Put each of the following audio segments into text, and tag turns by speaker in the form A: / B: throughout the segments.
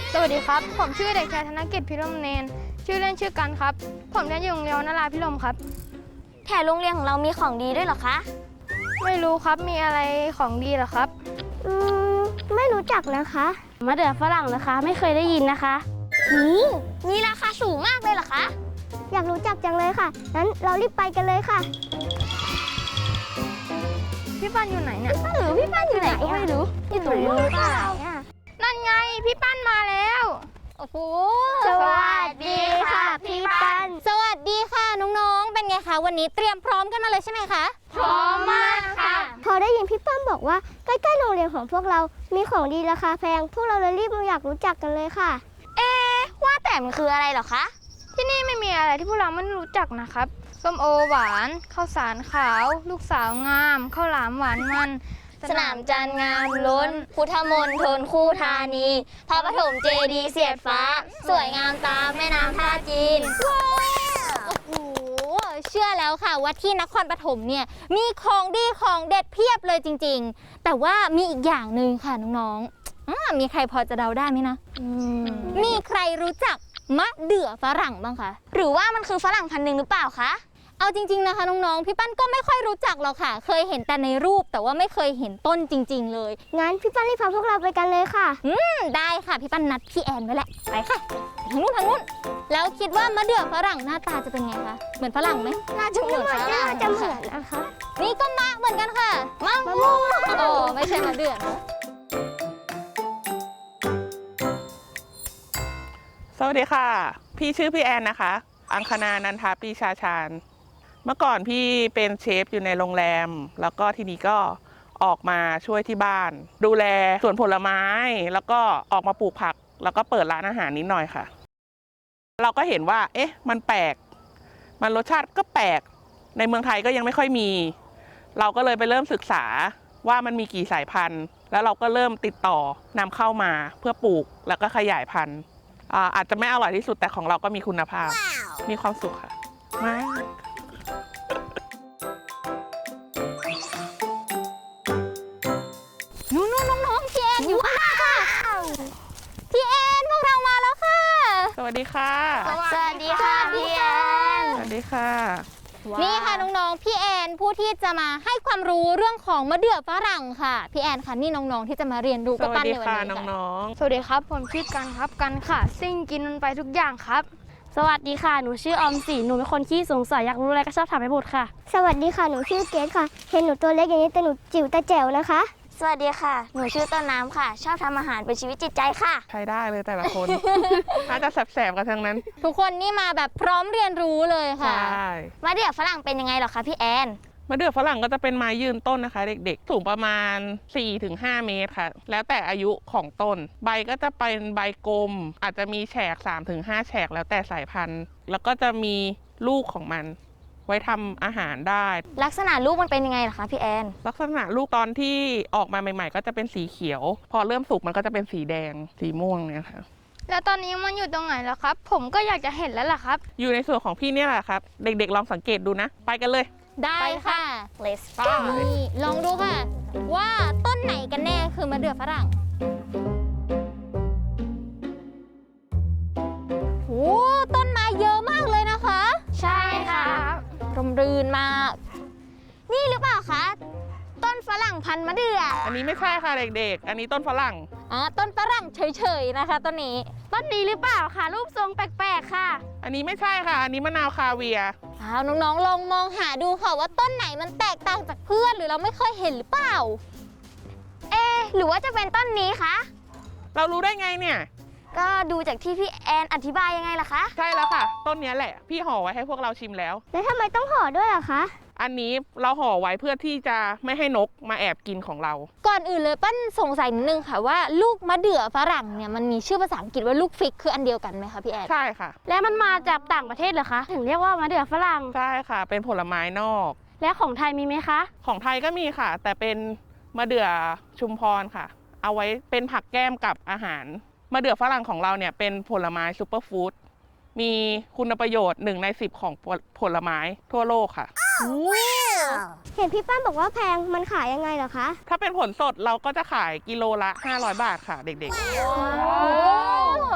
A: สวัสดีครับผมชื่อเด็กชายธนกิจพิรมเนนชื่อเล่นชื่อกันครับผมเรียนอยู่โรงเรียนนราพิรมครับ
B: แถวโรงเรียนของเรามีของดีด้วยเหรอคะ
A: ไม่รู้ครับมีอะไรของดีเหรอครับ
C: ไม่รู้จักนะคะมะเดื่อฝรั่งนะคะไม่เคยได้ยินนะคะ
B: มีราคาสูงมากเลยเหรอคะ
C: อยากรู้จักจังเลยค่ะงั้นเรารีบไปกันเลยค่ะ
A: พี่ปั้นอยู่ไหนเนี่ย
B: พี่ปั้นอยู่ไหนก็ไม่รู้
C: อยู่ตรงนู้นเปล่า
A: นั่นไงพี่ปั้นมาแล้ว
B: โอ้โห
C: สวัสดีค่ะพี่ปั้น
B: สวัสดีค่ะน้องๆเป็นไงคะวันนี้เตรียมพร้อมกันมาเลยใช่ไหมคะ
A: พร้อมมากค่ะ
C: พอได้ยินพี่ปั้นบอกว่าใกล้ๆโรงเรียนของพวกเรามีของดีราคาแพงพวกเราเลยรีบอยากรู้จักกันเลยค่ะ
B: ว่าแต่มันคืออะไรเหรอคะ
A: ที่นี่ไม่มีอะไรที่พวกเราไม่รู้จักนะครับส้มโอหวานข้าวสารขาวลูกสาวงามข้าวหลามหวานมัน
B: สนามจันทร์งามล้นพุทธมณฑลคู่ธานีพระปฐมเจดีย์เสียดฟ้าสวยงามตามแม่น้ำท่าจีนโอ้โหเชื่อแล้วค่ะว่าที่นครปฐมเนี่ยมีของดีของเด็ดเพียบเลยจริงๆแต่ว่ามีอีกอย่างหนึ่งค่ะน้องๆมีใครพอจะเดาได้ไหมนะมีใครรู้จักมะเดื่อฝรั่งบ้างคะหรือว่ามันคือฝรั่งพันธุ์หนึ่งหรือเปล่าคะเอาจริงๆนะคะน้องๆพี่ปั้นก็ไม่ค่อยรู้จักหรอกค่ะเคยเห็นแต่ในรูปแต่ว่าไม่เคยเห็นต้นจริงๆเลย
C: งั้นพี่ปั้นรีบพาพวกเราไปกันเลยค่ะ
B: ได้ค่ะพี่ปั้นนัดพี่แอนไว้แหละไปค่ะทางนู้นแล้วคิดว่ามะเดื่อฝรั่งหน้าตาจะเป็นไงคะเหมือนฝรั่งไหม
C: น่าจะเหมือนนะคะ
B: นี่ก็มะเหมือนกันค่ะมะม่วงโอ้ไม่ใช่มะเดื่อนะ
D: สวัสดีค่ะพี่ชื่อพี่แอนนะคะอังคณานันทาปรีชาชาญเมื่อก่อนพี่เป็นเชฟอยู่ในโรงแรมแล้วก็ทีนี้ก็ออกมาช่วยที่บ้านดูแลสวนผลไม้แล้วก็ออกมาปลูกผักแล้วก็เปิดร้านอาหารนิดหน่อยค่ะเราก็เห็นว่ามันแปลกมันรสชาติก็แปลกในเมืองไทยก็ยังไม่ค่อยมีเราก็เลยไปเริ่มศึกษาว่ามันมีกี่สายพันธุ์แล้วเราก็เริ่มติดต่อนำเข้ามาเพื่อปลูกแล้วก็ขยายพันธุ์อาจจะไม่อร่อยที่สุดแต่ของเราก็มีคุณภาพ มีความสุขค่ะมาก
B: น้องพี่แอนอยู่ค่ะพี่แอนพวกเรามาแล้วค่ะ
D: สวัสดีค่ะ
B: สวัสดีค่ะพี่แอน
D: สวัสดีค่ะ
B: นี่ค่ะน้องๆพี่แอนผู้ที่จะมาให้ความรู้เรื่องของมะเดื่อฝรั่งค่ะพี่แอนค่ะนี่น้องๆที่จะมาเรียนรู้กับปั้นในวันนี้ค่ะ
D: น้อง
A: ๆสวัสดีครับผมชื่อกันครับกันค่ะซิ่งกินมันไปทุกอย่างครับ
C: สวัสดีค่ะหนูชื่อออมสินหนูเป็นคนขี้สงสัยอยากรู้อะไรก็ชอบถามให้หมดค่ะสวัสดีค่ะหนูชื่อเกดค่ะเห็นหนูตัวเล็กอย่างนี้แต่หนูจิ๋วแต่แจ๋วนะคะ
B: สวัสดีค่ะหนูชื่อต้นน้ำค่ะชอบทำอาหารเป็นชีวิตจิตใจค่ะ
D: ใช้ได้เลยแต่ละคนน่าจะแสบๆกันทั้งนั้น
B: ทุกคนนี่มาแบบพร้อมเรียนรู้เลยค่ะ
D: ใช่
B: มะเดื่อฝรั่งเป็นยังไงหรอคะพี่แอน
D: มะเดื่อฝรั่งก็จะเป็นไม้ยืนต้นนะคะเด็กๆสูงประมาณ 4-5 เมตรค่ะแล้วแต่อายุของต้นใบก็จะเป็นใบกลมอาจจะมีแฉก 3-5 แฉกแล้วแต่สายพันธุ์แล้วก็จะมีลูกของมันไว้ทำอาหารได้
B: ลักษณะลูกมันเป็นยังไงล่ะคะพี่แอน
D: ลักษณะลูกตอนที่ออกมาใหม่ๆก็จะเป็นสีเขียวพอเริ่มสุกมันก็จะเป็นสีแดงสีม่วงเนี่ยค่ะ
A: แล้วตอนนี้มันอยู่ตรงไหนแล้วครับผมก็อยากจะเห็นแล้วล่ะครับ
D: อยู่ในส่วนของพี่เนี่ยแหละครับเด็กๆลองสังเกตดูนะไปกันเลย
B: ได้ค่ะ Let's go นี่ลองดูค่ะว่าต้นไหนกันแน่คือมะเดื่อฝรั่งโอ้ต้นไม้เยอะมากเลยนะคะ
A: ใช่ค่ะ
B: ร่มรื่นมากนี่หรือเปล่าคะต้นฝรั่งพันธุ์มะเดื่อ
D: อันนี้ไม่ใช่ค่ะเด็กๆอันนี้ต้นฝรั่ง
B: ต้นฝรั่งเฉยๆนะคะต้นนี้
A: หรือเปล่าค่ะรูปทรงแปลกๆค่ะ
D: อันนี้ไม่ใช่ค่ะอันนี้มะนาวคาเวียร์
B: น้องๆลองมองหาดูค่ะว่าต้นไหนมันแตกต่างจากเพื่อนหรือเราไม่เคยเห็นหรือเปล่าหรือว่าจะเป็นต้นนี้คะ
D: เรารู้ได้ไงเนี่ย
B: ก็ดูจากที่พี่แอนอธิบายยังไงล่ะคะ
D: ใช่แล้วค่ะต้นนี้แหละพี่ห่อไว้ให้พวกเราชิมแล้ว
C: ทำไมต้องห่อด้วยอะคะ
D: อันนี้เราห่อไว้เพื่อที่จะไม่ให้นกมาแอบกินของเรา
B: ก่อนอื่นเลยปั้นสงสัยนิดนึงค่ะว่าลูกมะเดื่อฝรั่งเนี่ยมันมีชื่อภาษาอังกฤษว่าลูกฟิกคืออันเดียวกันไหมคะพี่แอน
D: ใช่ค่ะ
C: แล้วมันมาจากต่างประเทศเหรอคะถึงเรียกว่ามะเดื่อฝรั่ง
D: ใช่ค่ะเป็นผลไม้นอก
C: และของไทยมีไหมคะ
D: ของไทยก็มีค่ะแต่เป็นมะเดื่อชุมพรค่ะเอาไว้เป็นผักแก้มกับอาหารมะเดื่อฝรั่งของเราเนี่ยเป็นผลไม้ซูเปอร์ฟู้ดมีคุณประโยชน์1 ใน 10ของผลไม้ทั่วโลกค่ะ
C: เห็นพี่ป้านบอกว่าแพงมันขายยังไงเหรอคะ
D: ถ้าเป็นผลสดเราก็จะขายกิโลละ500 บาทค่ะเด็กๆ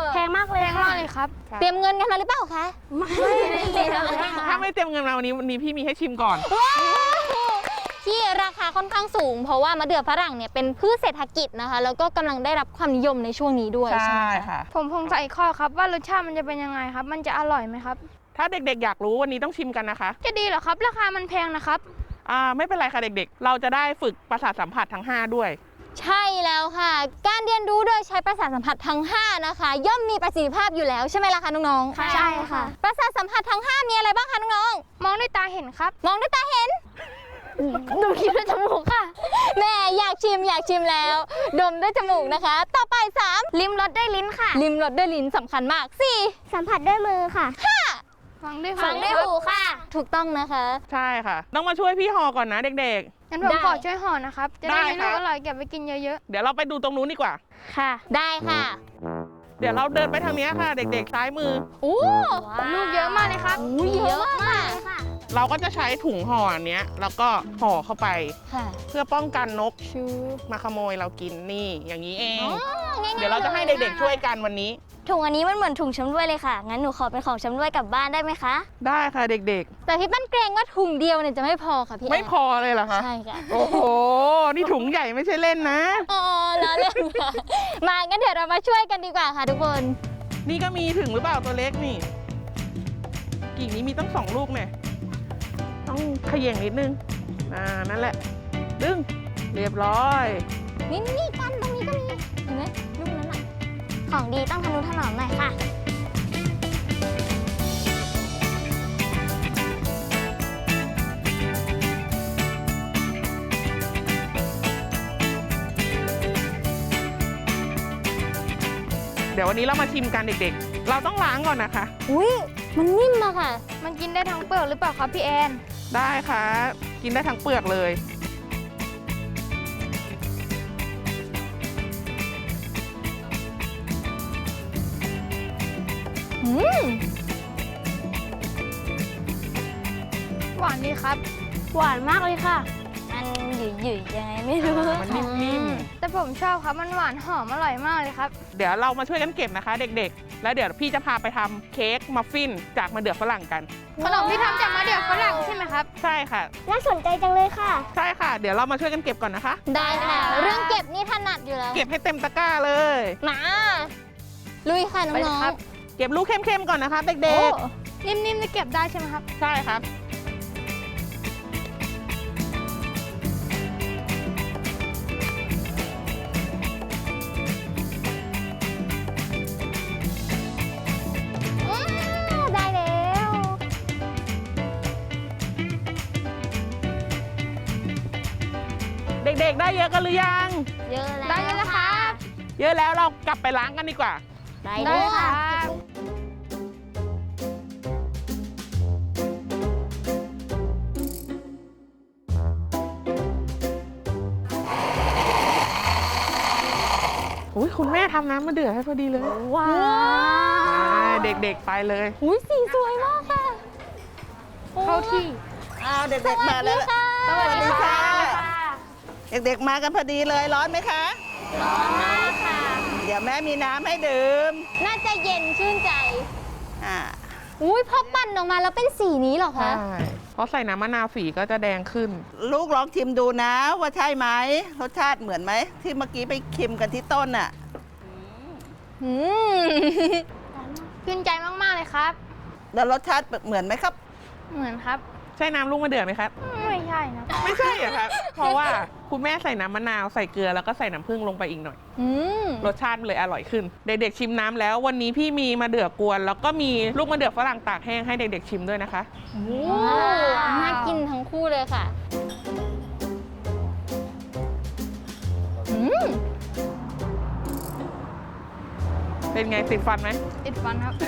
C: แพงมากเลย
A: แพงมากเลยครับ
B: เตรียมเงินกันมาหรือเปล่าคะ
C: ไม่เลยค่ะ
D: ถ้าไม่เตรียมเงินมาวันนี้พี่มีให้ชิมก่อน
B: ที่ราคาค่อนข้างสูง เพราะว่ามะเดื่อฝรั่งเนี่ยเป็นพืชเศรษฐกิจนะคะ แล้วก็กำลังได้รับความนิยมในช่วงนี้ด้วยใช่ไหมคะ
D: ค่ะ
A: ผมสงสัยข้อครับว่ารสชาติมันจะเป็นยังไงครับ มันจะอร่อยไหมครับ
D: ถ้าเด็กๆอยากรู้วันนี้ต้องชิมกันนะคะ
A: จะดีเหรอครับ ราคามันแพงนะครับ
D: ไม่เป็นไรค่ะเด็กๆ เราจะได้ฝึกประสาทสัมผัสทั้ง 5 ด้วย
B: ใช่แล้วค่ะ การเรียนรู้โดยใช้ประสาทสัมผัสทั้ง 5 นะคะ ย่อมมีประสิทธิภาพอยู่แล้วใช่ไหมล่ะคะน้องๆ
C: ใช่ค่ะ
B: ประสาทสัมผัสทั้ง 5 มีอะไรบ้างคะน้อง
A: มองด้วยตาเห็นครับ
B: ๆ มองด้วยตาเห็น
C: ดูคิดด้วยจมูกค่ะ
B: แม่อยากชิมแล้ว ดมด้วยจมูกนะคะ ต่อไป 3
C: ลิ้มรสด้วยลิ้นค่ะ
B: ลิ้มรสด้วยลิ้นสำคัญมาก 4
C: สัมผัสด้วยมือค่ะ
A: ฟังด้วย
B: ฟังด้วย
A: ครับ
B: หูค่ะ ถูกต้องนะคะ
D: ใช่ค่ะ ต้องมาช่วยพี่ห่อก่อนนะเด็ก
A: งั้นผม
B: ได้
A: ขอช่วยห่อนะครับ จะได้
D: ได้
A: มี
D: ครั
A: ลูก
D: บ
A: อร่อยเก็บไปกินเยอะ
D: ๆ เดี๋ยวเราไปดูตรงนู้นดีกว่า
C: ค่ะ
B: ได้ค่ะ
D: เดี๋ยวเราเดินไปทางนี้ค่ะ เด็กๆซ้ายมือ
B: อู้
A: ๆ ลูกเยอะมากเลยครับ
B: เยอะมาก
D: เราก็จะใช้ถุงห่ออันเนี้ยแล้วก็ห่อเข้าไป
B: ค่ะ
D: เพื่อป้องกันนก
B: ชู
D: มาขโมยเรากินนี่อย่างนี้เอง
B: ง่ายๆ
D: เดี๋ยวเราจะให้เด็กๆช่วยกันวันนี้
C: ถุงอันนี้มันเหมือนถุงชำร่วยเลยค่ะ งั้นหนูขอเป็นของชำร่วยกลับบ้านได้ไหมคะ
D: ได้ค่ะเด็ก
B: แต่พี่ปั้นเกรงว่าถุงเดียวเนี่ยจะไม่พอค่ะพี่
D: ๆ ไม่พอเลยเหรอคะ
B: ใช่ค่ะ
D: โอ้โห นี่ถุงใหญ่ไม่ใช่เล่นนะ
B: อ๋อแล้วเล่นค่ะ มางั้นเดี๋ยวเรามาช่วยกันดีกว่าค่ะทุกคน
D: นี่ก็มีถึงหรือเปล่าตัวเล็กนี่ กิ่งนี้มีตั้ง2 ลูกเนี่ยต้องเขย่งนิดนึงนั่นแหละ ดึง เรียบร้อย
B: นี่กันตรงนี้ก็มี เห็นไหมลูกนั้นอ่ะ
C: ของดีต้องทนุถนอมหน่อยค่ะ
D: เดี๋ยววันนี้เรามาชิมกันเด็กๆ เราต้องล้างก่อนนะคะ
B: อุ้ยมันนิ่มอะค่ะ
A: มันกินได้ทั้งเปลือกหรือเปล่าครับพี่แอน
D: ได้ค่ะ กินได้ทั้งเปลือกเลย
B: อืม
A: หวานดีครับ
C: หวานมากเลยค่ะ
B: มันหยุ่ยๆยังไงไม่รู้
D: มันนิ่ม
A: แต่ผมชอบครับ มันหวานหอมอร่อยมากเลยครับ
D: ๆ เดี๋ยวเรามาช่วยกันเก็บนะคะ เด็กๆ แล้วเดี๋ยวพี่จะพาไปทำเค้กมัฟฟินจากมะเดื่อฝรั่งกัน
A: ขนมที่ทำจากมะเดื่อฝรั่งใช่ไหมครับ
D: ใช่ค่ะ
C: น่าสนใจจังเลยค่ะ
D: ใช่ค่ะ เดี๋ยวเรามาช่วยกันเก็บก่อนนะคะ
B: ได้ค่ะ เรื่องเก็บนี่ถนัดอยู่แล้ว
D: เก็บให้เต็มตะกร้าเลย
B: มาลุยค่ะ
A: ไปเลย
B: น้อง
A: ครับ
D: เก็บลูกเข้มๆก่อนนะคะ
B: ๆ
D: เด็
B: โอ้
D: ก
A: นิ่มๆจะเก็บได้ใช่ไหมครับ
D: ๆ ใช่ครับ
B: ได้แล้ว
D: เด็กๆ ได้เยอะกันหรือยัง
B: เยอะแล้ว
A: ได้แล้วครับ
D: เยอะแล้วเรากลับไปล้างกันดีกว่า
B: ได้
A: ได้
B: ด้วย
A: ค
B: ค่ะ
A: รับ
D: อุ้ยคุณแม่ทำน้ำมะเดื่อให้พอดีเลย
C: ว้า
D: ไปเด็กๆ ไปเลย
B: อุ้ยสีสวยมากค่ะ
A: เข้าที่
E: อ้าวเด็กๆมาแล้ว
A: สวัสดีค่ะ
E: เด็กๆมากันพอดีเลยร้อนไหมคะ ร้อนมากค่ะ เดี๋ยวแม่มีน้ำให้ดื่ม
B: น่าจะเย็นชื่นใจ
E: อ่า
B: อุ้ยพอปั่นออกมาแล้วเป็นสีนี้เหรอ
D: ใช่
B: คะ
D: เพราะใส่น้ำมะนาวฝีก็จะแดงขึ้น
E: ลูกลองชิมดูนะว่าใช่ไหมรสชาติเหมือนไหมที่เมื่อกี้ไปชิมกันที่ต้นน่ะ
B: อืม
A: ชื่นใจมากๆเลยครับ
E: แล้วรสชาติเหมือนไหมครับ
A: เหมือนครับ
D: ใช่น้ำลูกมะเดื่อไหมครับ
A: ไม่ใช่นะ
D: ไม่ใช่เหรอครับ เพราะว่าคุณแม่ใส่น้ำมะนาวใส่เกลือแล้วก็ใส่น้ำผึ้งลงไปอีกหน่อย
B: อืม
D: รสชาติมันเลยอร่อยขึ้น เด็กๆชิมน้ำแล้ววันนี้พี่มีมะเดื่อกวน แล้วก็มีลูกมะเดื่อฝรั่งตากแห้งให้เด็กๆชิมด้วยนะคะ
B: โอ้น่ากินทั้งคู่เลยค่ะ อืม
D: เป็นไงติดฟันไหม
A: ติดฟันครับ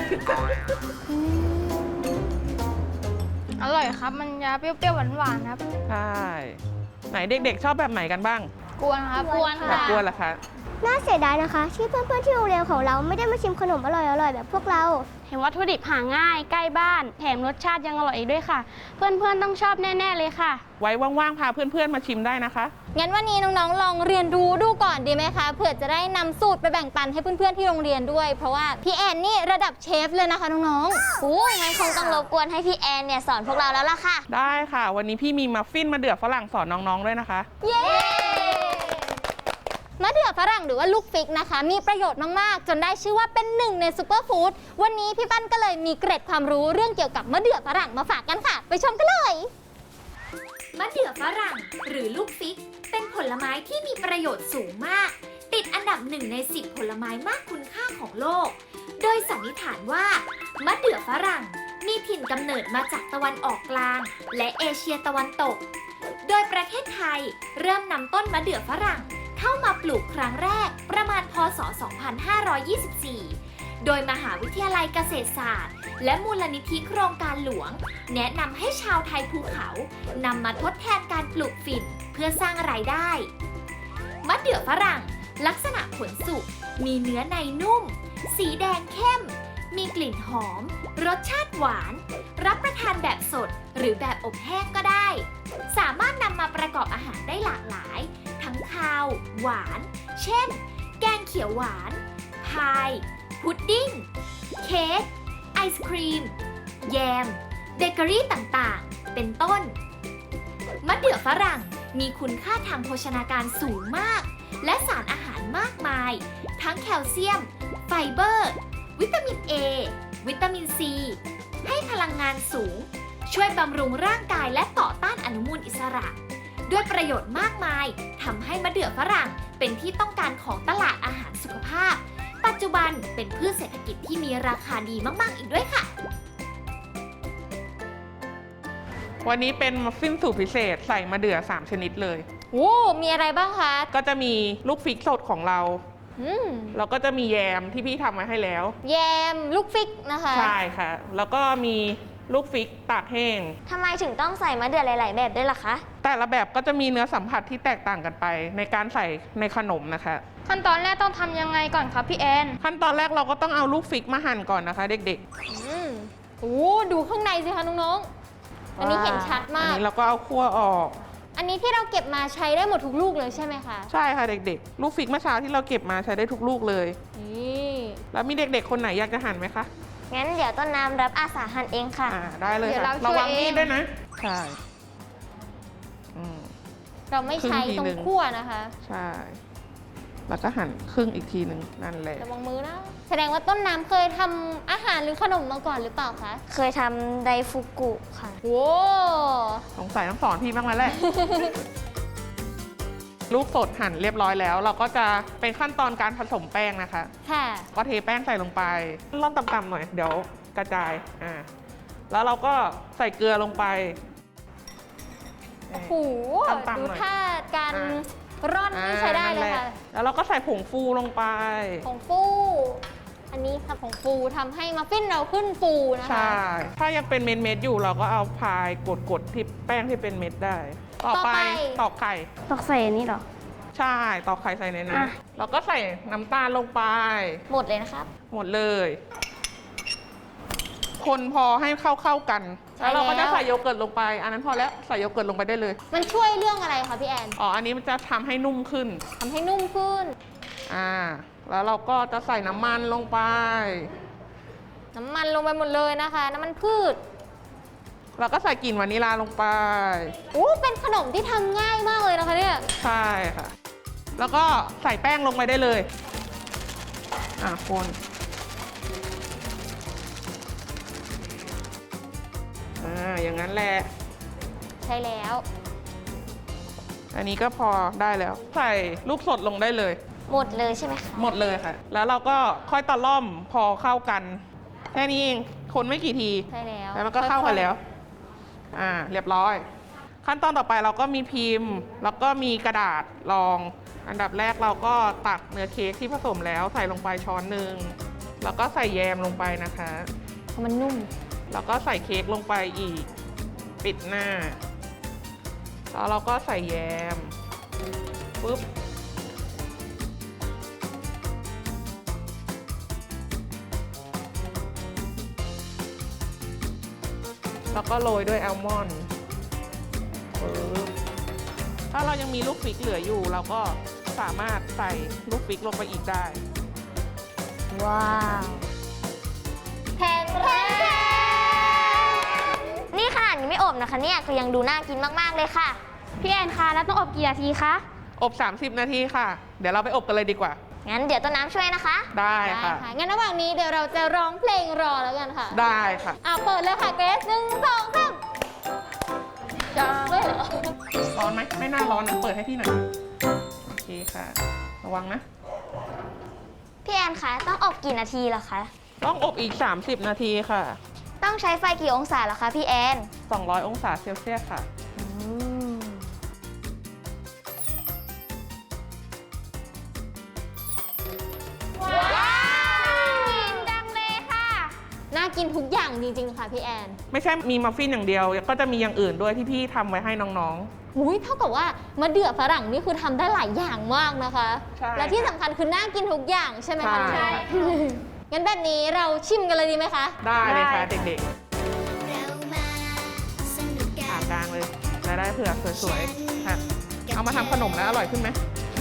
A: อร่อยครับ มันจะเปรี้ยวๆหวานๆครับ
D: ใช่ไหนเด็กๆชอบแบบไหนกันบ้าง
A: กวนครับ
B: กวน
D: แบ
B: ค่ะ
D: บกวนเหรอคะ
C: น่าเสียดายนะคะ ที่เพื่อนๆที่โรงเรียนของเราไม่ได้มาชิมขนมอร่อยๆแบบพวกเรา เห็นวัตถุดิบหาง่ายใกล้บ้าน แถมรสชาติยังอร่อยอีกด้วยค่ะ เพื่อนๆต้องชอบแน่ๆเลยค่ะ
D: ไว้ว่างๆพาเพื่อนๆมาชิมได้นะคะ
B: งั้นวันนี้น้องๆลองเรียนรู้ดูก่อนดีไหมคะเผื่อจะได้นำสูตรไปแบ่งปันให้เพื่อนๆที่โรงเรียนด้วยเพราะว่าพี่แอนนี่ระดับเชฟเลยนะคะน้องๆ
C: โอ้ยงั้นคงต้องรบกวนให้พี่แอนเนี่ยสอนพวกเราแล้วล่ะค่ะ
D: ได้ค่ะ วันนี้พี่มีมัฟฟินมะเดื่อฝรั่งสอนน้องๆด้วยนะคะ
B: เย้มะเดื่อฝรั่งหรือว่าลูกฟิกนะคะ มีประโยชน์มากๆ จนได้ชื่อว่าเป็นหนึ่งในซุปเปอร์ฟู้ดวันนี้พี่ปั้นก็เลยมีเกร็ดความรู้เรื่องเกี่ยวกับมะเดื่อฝรั่งมาฝากกันค่ะ ไปชมกันเลย
F: มะเดื่อฝรั่งหรือลูกฟิกเป็นผลไม้ที่มีประโยชน์สูงมาก ติดอันดับ1 ใน 10 ผลไม้มากคุณค่าของโลก โดยสันนิษฐานว่ามะเดื่อฝรั่งมีถิ่นกำเนิดมาจากตะวันออกกลาง และเอเชียตะวันตก โดยประเทศไทยเริ่มนำต้นมะเดื่อฝรั่งเข้ามาปลูกครั้งแรกประมาณพศ 2524 โดยมหาวิทยาลัยเกษตรศาสตร์ และมูลนิธิโครงการหลวง แนะนำให้ชาวไทยภูเขานำมาทดแทนการปลูกฝิ่นเพื่อสร้างรายได้มะเดื่อฝรั่งลักษณะผลสุกมีเนื้อในนุ่ม สีแดงเข้ม มีกลิ่นหอม รสชาติหวาน รับประทานแบบสดหรือแบบอบแห้งก็ได้ สามารถนำมาประกอบอาหารได้หลากหลาย ทั้งคาว หวาน เช่น แกงเขียวหวาน พาย พุดดิ้ง เค้ก ไอศครีม แยม เบเกอรี่ต่างๆ เป็นต้น มะเดื่อฝรั่งมีคุณค่าทางโภชนาการสูงมาก และสารอาหารมากมาย ทั้งแคลเซียม ไฟเบอร์ วิตามิน A วิตามิน C ให้พลังงานสูง ช่วยบำรุงร่างกายและต่อต้านอนุมูลอิสระ ด้วยประโยชน์มากมายทำให้มะเดื่อฝรั่งเป็นที่ต้องการของตลาดอาหารสุขภาพ ปัจจุบันเป็นพืชเศรษฐกิจที่มีราคาดีมากๆอีกด้วยค่ะ
D: วันนี้เป็นมัฟฟินสูตรพิเศษใส่มะเดื่อ3 ชนิดเลย
B: โอ้มีอะไรบ้างคะ
D: ก็จะมีลูกฟิกสดของเรา
B: อืม
D: แล้วก็จะมีแยมที่พี่ทำไว้ให้แล้ว
B: แยมลูกฟิกนะคะ
D: ใช่ค่ะ แล้วก็มีลูกฟิกตากแห้ง
C: ทำไมถึงต้องใส่มะเดื่อหลาย ๆ แบบด้วยล่ะคะ
D: แต่ละแบบก็จะมีเนื้อสัมผัสที่แตกต่างกันไปในการใส่ในขนมนะคะ
A: ขั้นตอนแรกต้องทำยังไงก่อนครับพี่แอน
D: ขั้นตอนแรกเราก็ต้องเอาลูกฟิกมาหั่นก่อนนะคะเด็ก
B: อืมโอ้ดูข้างในสิคะน้องๆ
D: ๆ
B: อันนี้เห็นชัด
D: อั
B: มาก
D: นี้เราก็เอาคั่วออก
B: อันนี้ที่เราเก็บมาใช้ได้หมดทุกลูกเลยใช่ไหมคะ
D: ใช่ค่ะเด็กๆ ลูกฟิกเมื่อเช้าที่เราเก็บมาใช้ได้ทุกลูกเลย
B: นี่
D: แล้วมีเด็กๆ คนไหนอยากจะหั่นไหมคะ
C: งั้นเดี๋ยวต้นน้ำรับอาสาหั่นเองค่ะ
D: ได้เลย
A: เดี๋ยว
D: ค่ะ
A: เราช่วย
D: ระวังมีด
A: เอง
D: ด้วยนะ ใช่อืม
B: เราไม่ใช้
D: ครึ่งที
B: ตรง
D: หนึ่ง
B: ขั้วนะคะ
D: ใช่ แล้วก็หั่นครึ่งอีกทีหนึ่งนั่นแหละ
B: ระวังมือนะ แสดงว่าต้นน้ำเคยทำอาหารหรือขนมมาก่อนหรือเปล่าคะ
C: เคยทำไดฟุกุค่ะ
B: โว้
D: สงสัยต้องสอนพี่บ้างแล้วแหละ ลูกสดหั่นเรียบร้อยแล้ว เราก็จะเป็นขั้นตอนการผสมแป้งนะคะ
B: ค่ะ
D: ก็เทแป้งใส่ลงไปร่อนต่ำๆหน่อย เดี๋ยวกระจาย แล้วเราก็ใส่เกลือลงไป
B: โอ้โห
D: ต่ำๆ
B: ดู
D: หน่อย
B: ท่าการ ร่อนนี่ใช้ได้เลยค่ะ
D: แล้วเราก็ใส่ผงฟูลงไป
B: ผงฟู อันนี้ค่ะผงฟูทำให้มัฟฟินเราขึ้นฟูนะคะ
D: ใช่ ถ้ายังเป็นเม็ดๆอยู่เราก็เอาพายกดที่แป้งที่เป็นเม็ดได้ ต่อไปตอกไข่
C: ตอกใส่นี่เหรอ
D: ใช่ตอกไข่ใส่ในนั้น
C: อ่ะ
D: เราก็ใส่น้ำตาลลงไป
B: หมดเลยนะครับ
D: หมดเลย คนพอให้เข้ากัน
B: ใช่
D: แล้วเราก็จะ
B: แล้ว
D: ใส่โยเกิร์ตลงไป อันนั้นพอแล้วใส่โยเกิร์ตลงไปได้เลย
B: มันช่วยเรื่องอะไรคะพี่แอน
D: อ๋อ อันนี้มันจะทำให้นุ่มขึ้น
B: ทำให้นุ่มขึ้น
D: แล้วเราก็จะใส่น้ำมันลงไป
B: น้ำมันลงไปหมดเลยนะคะ น้ำมันพืช
D: เราก็ใส่กลิ่นวานิลลาลงไป
B: โอ้เป็นขนมที่ทำง่ายมากเลยนะคะเนี่ย
D: ใช่ค่ะ แล้วก็ใส่แป้งลงไปได้เลย คนอย่างนั้นแหละ
B: ใช่แล้ว
D: อันนี้ก็พอได้แล้ว ใส่ลูกสดลงได้เลย
C: หมดเลยใช่ไหมคะ
D: หมดเลยค่ะ แล้วเราก็ค่อยตะล่อมพอเข้ากัน แค่นี้เอง คนไม่กี่ที
B: ใช่แล้ว
D: แล้วมันก็เข้ากันแล้ว เรียบร้อย ขั้นตอนต่อไปเราก็มีพิมพ์ แล้วก็มีกระดาษรอง อันดับแรกเราก็ตักเนื้อเค้กที่ผสมแล้วใส่ลงไปช้อนหนึ่ง แล้วก็ใส่แยมลงไปนะคะ
B: เพราะมันนุ่ม
D: แล้วก็ใส่เค้กลงไปอีก ปิดหน้า แล้วเราก็ใส่แยม ปุ๊บ แล้วก็โรยด้วยแอลมอนด์ปึ๊บถ้าเรายังมีลูกฟิกเหลืออยู่ เราก็สามารถใส่ลูกฟิกลงไปอีกได้
C: ว้าว
B: แพนนี่ขนาดยังไม่อบนะคะเนี่ยก็ยังดูน่ากินมากๆเลยค่ะ
C: พี่แอนคะแล้วต้องอบกี่นาทีคะ
D: อบ 30 นาทีค่ะ เดี๋ยวเราไปอบกันเลยดีกว่า
B: งั้นเดี๋ยวต้นน้ำช่วยนะคะ
D: ได้ค่ะ
G: งั้นระหว่างนี้เดี๋ยวเราจะร้องเพลงรอแล้วกันค่ะ
D: ได้ค่ะ
G: เปิดเลยค่ะเกรซ1 2 3จะไม่เหรอ
D: ร้อนไหมไม่น่าร้อนนะเปิดให้พี่หน่อย โอเคค่ะ ระวังนะ
B: พี่แอนคะต้องอบกี่นาทีล่ะคะ
D: ต้องอบอีก 30 นาทีค่ะ
B: ต้องใช้ไฟกี่องศาล่ะคะพี่แอน
D: 200 องศาเซลเซียสค่ะ
G: น่ากินทุกอย่างจริงๆค่ะพี่แอน
D: ไม่ใช่มีมัฟฟินอย่างเดียว ก็จะมีอย่างอื่นด้วยที่พี่ทำไว้ให้น้อง
G: อุ้ยเท่ากับว่ามะเดื่อฝรั่งนี่คือทำได้หลายอย่างมากนะคะ
D: ใช่
G: และที่สำคัญคือน่ากินทุกอย่างใช่ไหมคะ
D: ใช่
G: งั้นแบบนี้เราชิมกันเลยดีไหมคะ
D: ๆ ได้เลยค่ะเด็กๆผ่ากลางเลยจะได้เผื่อสวยๆ ค่ะ เอามาทำขนมแล้วอร่อยขึ้นไหม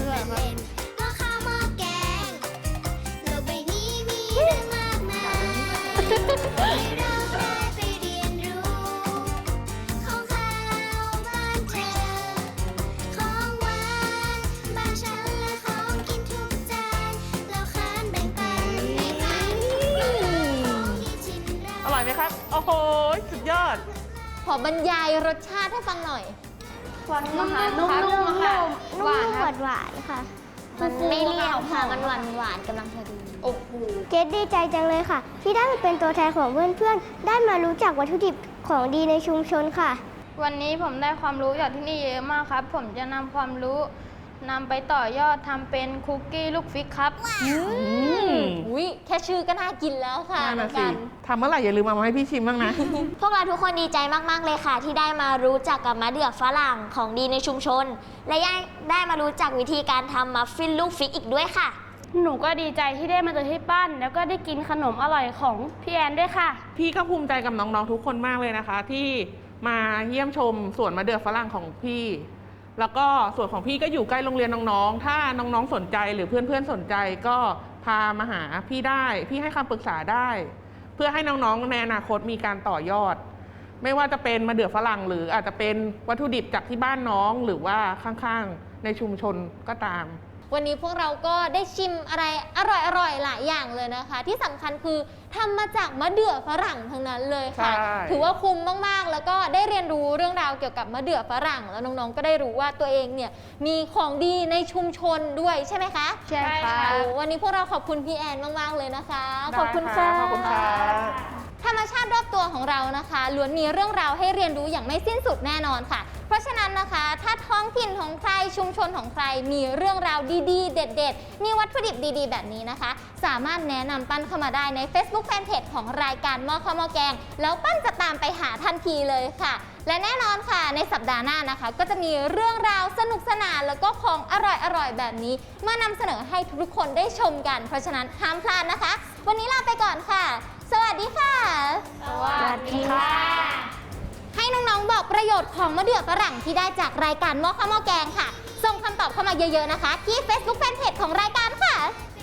D: อร่อยไหมครับ โอ้โห สุดยอด
G: ขอบรรยายรสชาติให้ฟังหน่อย
A: นุ่มๆค่ะหวานครับ
C: หวานๆค่ะ
B: มันไม่เลี่ยนค่ะ มันหวานกำลังพอดี
G: โอ้โห
C: เกดดีใจจังเลยค่ะ ที่ได้มาเป็นตัวแทนของเพื่อนๆ ได้มารู้จักวัตถุดิบของดีในชุมชนค่ะ
A: วันนี้ผมได้ความรู้จากที่นี่เยอะมากครับ ผมจะนำความรู้นำไปต่อยอดทำเป็นคุกกี้ลูกฟิกครับ
G: อุ้ยแค่ชื่อก็น่ากินแล้วค่ะ
D: นั่น
G: น้อ
D: น่ะ
G: ง
D: สิ
G: กัน
D: ทำเมื่อไหร่อย่าลืมเอามาให้พี่ชิมบ้างนะ
B: พวกเราทุกคนดีใจมากๆเลยค่ะ ที่ได้มารู้จักกับมะเดื่อฝรั่งของดีในชุมชน และยังได้มารู้จักวิธีการทำมัฟฟินลูกฟิกอีกด้วยค่ะ
C: หนูก็ดีใจที่ได้มาเจอที่ปั้น แล้วก็ได้กินขนมอร่อยของพี่แอนด้วยค่ะ
D: พี่ก็ภูมิใจกับน้องๆทุกคนมากเลยนะคะ ที่มาเยี่ยมชมสวนมะเดื่อฝรั่งของพี่ แล้วก็สวนของพี่ก็อยู่ใกล้โรงเรียนน้องๆ ถ้าน้องๆสนใจหรือเพื่อนๆสนใจก็พามาหาพี่ได้ พี่ให้คำปรึกษาได้ เพื่อให้น้องๆในอนาคตมีการต่อยอด ไม่ว่าจะเป็นมะเดื่อฝรั่งหรืออาจจะเป็นวัตถุดิบจากที่บ้านน้องหรือว่าข้างๆในชุมชนก็ตาม
G: วันนี้พวกเราก็ได้ชิมอะไรอร่อยๆหลายอย่างเลยนะคะ ที่สำคัญคือทำมาจากมะเดื่อฝรั่งทั้งนั้นเลยค่ะ
D: ใช่
G: ถือว่าคุ้มมากๆ แล้วก็ได้เรียนรู้เรื่องราวเกี่ยวกับมะเดื่อฝรั่ง แล้วน้องๆก็ได้รู้ว่าตัวเองเนี่ยมีของดีในชุมชนด้วยใช่ไหมคะ
A: ใช่ค่ะ
G: โอ้วันนี้พวกเราขอบคุณพี่แอนมากๆเลยนะคะ ขอบคุณค่ะ
D: ขอบคุณค่ะ
G: ธรรมชาติรอบตัวของเรานะคะล้วนมีเรื่องราวให้เรียนรู้อย่างไม่สิ้นสุดแน่นอนค่ะ เพราะฉะนั้นนะคะถ้าท้องถิ่นของใครชุมชนของใครมีเรื่องราวดีๆ เด็ดๆ มีวัตถุดิบดีๆ แบบนี้นะคะ สามารถแนะนำปั้นเข้ามาได้ใน Facebook Fanpage ของรายการหม้อข้าวหม้อแกง แล้วปั้นจะตามไปหาทันทีเลยค่ะ และแน่นอนค่ะในสัปดาห์หน้านะคะ ก็จะมีเรื่องราวสนุกสนานแล้วก็ของอร่อยๆแบบนี้มานำเสนอให้ทุกๆคนได้ชมกัน เพราะฉะนั้นห้ามพลาดนะคะ วันนี้ลาไปก่อนค่ะ สวัสดีค่ะ
A: สวัสดีค่ะ
G: ให้น้องๆบอกประโยชน์ของมะเดื่อฝรั่งที่ได้จากรายการหม้อข้าวหม้อแกงค่ะ ส่งคำตอบเข้ามาเยอะๆนะคะ ที่ Facebook Fanpage ของรายการค่ะ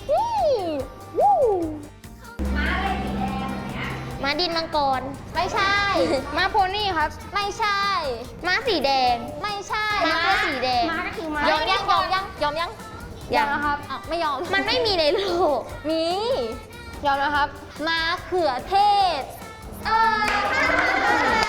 G: ม้าดินมังกรไม่ใช่
A: มาโพนี่ครับ
G: ไม่ใช่
B: ม้าสีแดง
G: ไม่ใช่
B: ม้าตัวสีแดง
C: ม้าก็คือม้าย
G: อมยัง
A: ยอมนะครับ
G: อ้าวไม่ยอม
B: มันไม่มีในโลก
G: มี
A: ยอมนะครับ
G: มะเขือเทศ